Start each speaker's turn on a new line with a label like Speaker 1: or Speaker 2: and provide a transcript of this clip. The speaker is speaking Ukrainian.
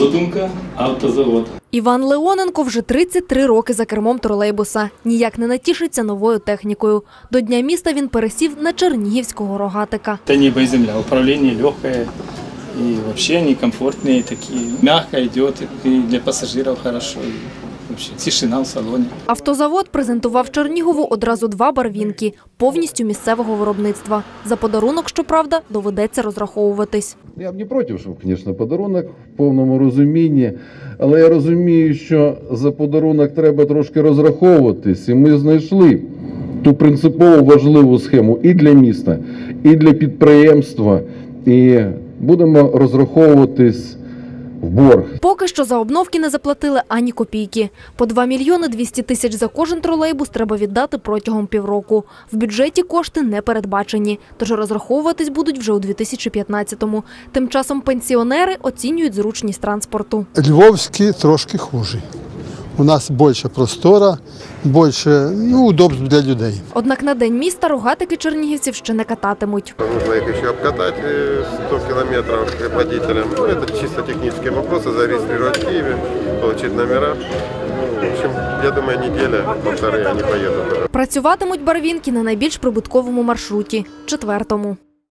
Speaker 1: Задумка автозавод.
Speaker 2: Іван Леоненко вже 33 роки за кермом тролейбуса. Ніяк не натішиться новою технікою. До Дня міста він пересів на чернігівського рогатика.
Speaker 1: Це небо і земля. Управління легке і взагалі вони комфортні, такі. М'яко йде, і для пасажирів хорошо. Тишина в салоні.
Speaker 2: Автозавод презентував Чернігову одразу 2 барвінки, повністю місцевого виробництва. За подарунок, щоправда, доведеться розраховуватись.
Speaker 3: Я б не проти, щоб, звісно, подарунок в повному розумінні, але я розумію, що за подарунок треба трошки розраховуватись, і ми знайшли ту принципово важливу схему і для міста, і для підприємства, і будемо розраховуватись в борг.
Speaker 2: Поки що за обновки не заплатили ані копійки. По 2 мільйони 200 тисяч за кожен тролейбус треба віддати протягом півроку. В бюджеті кошти не передбачені, тож розраховуватись будуть вже у 2015-му. Тим часом пенсіонери оцінюють зручність транспорту.
Speaker 4: Львовський трошки хуже. У нас більше простора, більше удобств для людей.
Speaker 2: Однак на День міста рогатики чернігівців ще не кататимуть.
Speaker 5: Нужно їх ще обкатати 100 кілометрів водителям. Це чисто технічні питання, зареєструвати в Києві, отримати номера. В общем, я думаю, неділя-півтори вони поїдуть.
Speaker 2: Працюватимуть барвінки на найбільш прибутковому маршруті – 4-му.